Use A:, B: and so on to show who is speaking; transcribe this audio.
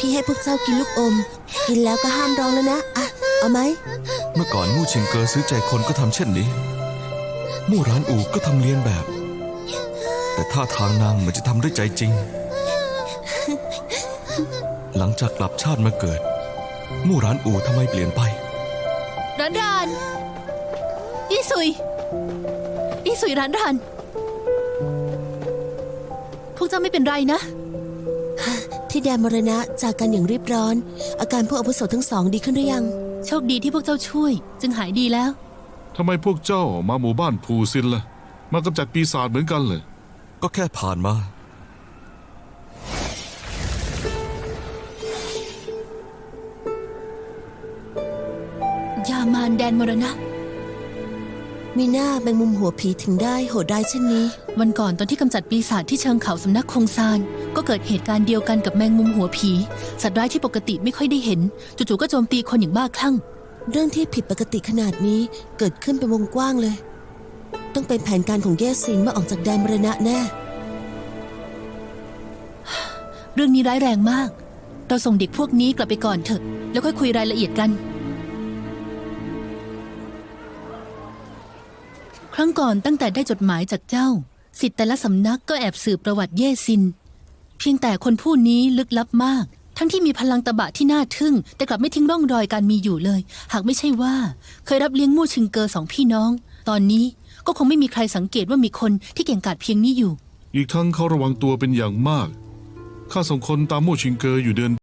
A: พี่ให้พวกเจ้ากินลูกอมกินแล้วก็ห้ามร้องแล้วนะอ่ะเอาไหม
B: เมื่อก่อนมู่ชิงเกอซื้อใจคนก็ทำเช่นนี้มู่หรานอูก็ทำเลียนแบบ แต่ท่าทางนางเหมือนจะทำด้วยใจจริง หลังจากกลับชาติมาเกิดมู่หรานอูทำไมเปลี่ยนไป
C: ร้านรานอีสุยร้านรานพวกเจ้าไม่เป็นไรนะ
A: ที่แดนมรณะจากกันอย่างรีบร้อนอาการพวกอาวุโสทั้งสองดีขึ้นหรือยัง
C: โชคดีที่พวกเจ้าช่วยจึงหายดีแล้ว
D: ทำไมพวกเจ้ามาหมู่บ้านภูซินล่ะมากำจัดปีศาจเหมือนกันเลย
B: ก็แค่ผ่านม
C: ายามานแดนมรณะ
A: มีหน้าแมงมุมหัวผีถึงได้โหดร้ายเช่นนี้
C: วันก่อนตอนที่กำจัดปีศาจที่เชิงเขาสำนักคงซานก็เกิดเหตุการณ์เดียวกันกับแมงมุมหัวผีสัตว์ร้ายที่ปกติไม่ค่อยได้เห็นจู่ๆก็โจมตีคนอย่างบ้าคลั่ง
A: เรื่องที่ผิดปกติขนาดนี้เกิดขึ้นเป็นวงกว้างเลยต้องเป็นแผนการของเย่ซินเมื่อออกจากแดนมรณะแน่
C: เรื่องนี้ร้ายแรงมากเราส่งเด็กพวกนี้กลับไปก่อนเถอะแล้วค่อยคุยรายละเอียดกันครั้งก่อนตั้งแต่ได้จดหมายจากเจ้าศิษย์แต่ละสำนักก็แอบสืบประวัติเย่ซินเพียงแต่คนผู้นี้ลึกลับมากทั้งที่มีพลังตบะที่น่าทึ่งแต่กลับไม่ทิ้งร่องรอยการมีอยู่เลยหากไม่ใช่ว่าเคยรับเลี้ยงมู่ชิงเกอสองพี่น้องตอนนี้ก็คงไม่มีใครสังเกตว่ามีคนที่เก่งกาจเพียงนี้อยู่
D: อีกทั้งเขาระวังตัวเป็นอย่างมากข้าส่งคนตามมู่ชิงเกออยู่เดือน